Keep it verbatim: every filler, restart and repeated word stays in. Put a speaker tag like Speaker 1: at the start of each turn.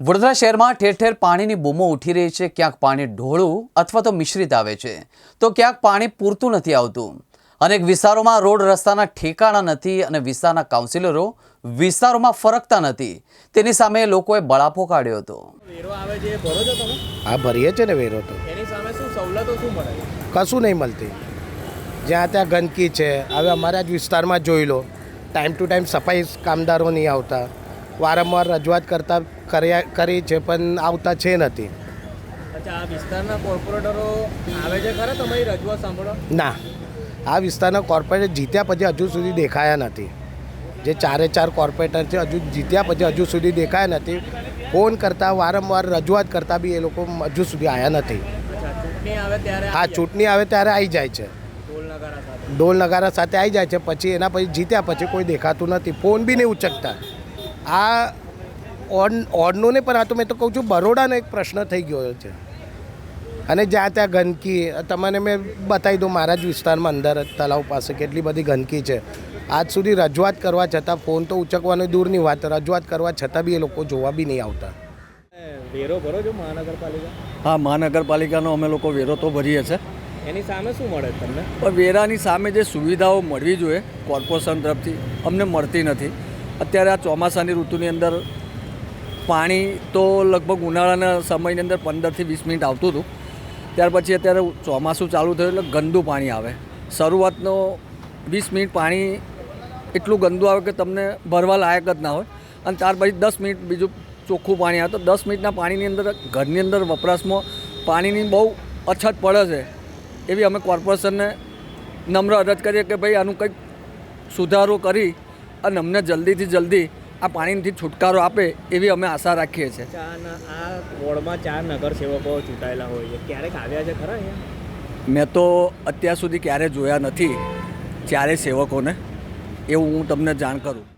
Speaker 1: વડોદરા શહેરમાં ઠેર ઠેર પાણીની બૂમો ઉઠી રહી છે। ક્યાંક પાણી ઢોળું અથવા તો મિશ્રિત આવે છે, તો ક્યાંક પાણી પૂરતું નથી આવતું। અનેક વિસ્તારોમાં રોડ રસ્તાના ઠેકાણા નથી અને વિસ્તારના કાઉન્સિલરો વિસ્તારોમાં ફરકતા નથી। તેની સામે લોકોએ બળાપો કાઢ્યો હતો।
Speaker 2: વેરો આવે છે ભરો છો તમે?
Speaker 3: હા, ભરીએ છે ને વેરો તો।
Speaker 2: એની સામે શું સવલતો શું મળે?
Speaker 3: કશું નહીં મળતી। જ્યાં ત્યાં ગંદકી છે। હવે અમારા જ વિસ્તારમાં જોઈ લો, ટાઈમ ટુ ટાઈમ સફાઈ કામદારો નહીં આવતા। વારંવાર રજૂઆત કરતા કર્યા કરી છે પણ આવતા છે નથી।
Speaker 2: અચ્છા, આ વિસ્તારના કોર્પોરેટરો આવે છે ખરા તમારી રજૂઆત સાંભળો?
Speaker 3: ના, આ વિસ્તારના કોર્પોરેટર જીત્યા પછી હજુ સુધી દેખાયા નથી। જે ચારે ચાર કોર્પોરેટર છે હજુ જીત્યા પછી હજુ સુધી દેખાયા નથી। ફોન કરતાં વારંવાર રજૂઆત કરતાં બી એ લોકો હજુ સુધી આવ્યા નથી।
Speaker 2: અચ્છા, ચૂંટણી આવે ત્યારે
Speaker 3: હા, ચૂંટણી આવે ત્યારે આવી જાય છે,
Speaker 2: ઢોલ નગારા સાથે
Speaker 3: ઢોલ નગારા સાથે આવી જાય છે। પછી એના પછી જીત્યા પછી કોઈ દેખાતું નથી, ફોન બી નહીં ઉચકતા। આ ઓડ ઓડનું નહીં પણ આ તો મેં તો કહું છું બરોડાનો એક પ્રશ્ન થઈ ગયો છે। અને જ્યાં ત્યાં ગંદકી, તમને મેં બતાવી દઉં મારા જ વિસ્તારમાં અંદર તલાવ પાસે કેટલી બધી ગંદકી છે। આજ સુધી રજૂઆત કરવા છતાં, ફોન તો ઉચકવાની દૂરની વાત, રજૂઆત કરવા છતાં બી એ લોકો જોવા બી નહીં આવતા।
Speaker 2: વેરો ભરો છો મહાનગરપાલિકા?
Speaker 4: હા, મહાનગરપાલિકાનો અમે લોકો વેરો તો ભરીએ છીએ।
Speaker 2: એની સામે શું મળે તમને?
Speaker 4: પણ વેરાની સામે જે સુવિધાઓ મળવી જોઈએ કોર્પોરેશન તરફથી અમને મળતી નથી। અત્યારે આ ચોમાસાની ઋતુની અંદર પાણી તો લગભગ ઉનાળાના સમયની અંદર પંદરથી વીસ મિનિટ આવતું હતું, ત્યાર પછી અત્યારે ચોમાસું ચાલુ થયું એટલે ગંદુ પાણી આવે। શરૂઆતનો વીસ મિનિટ પાણી એટલું ગંદુ આવે કે તમને ભરવા લાયક જ ના હોય, અને ત્યાર પછી દસ મિનિટ બીજું ચોખ્ખું પાણી આવે। તો દસ મિનિટના પાણીની અંદર ઘરની અંદર વપરાશમાં પાણીની બહુ અછત પડે છે। એવી અમે કોર્પોરેશનને નમ્ર અરજ કરીએ કે ભાઈ આનું કંઈક સુધારો કરી અને અમને જલ્દીથી જલ્દી આ પાણીથી છુટકારો આપે એવી અમે આશા રાખીએ છીએ।
Speaker 2: આ વોર્ડમાં ચાર નગરસેવકો ચૂંટાયેલા હોય છે, ક્યારેક આવ્યા છે ખરા અહીંયા?
Speaker 4: મેં તો અત્યાર સુધી ક્યારે જોયા નથી ચારે સેવકોને, એવું હું તમને જાણ કરું।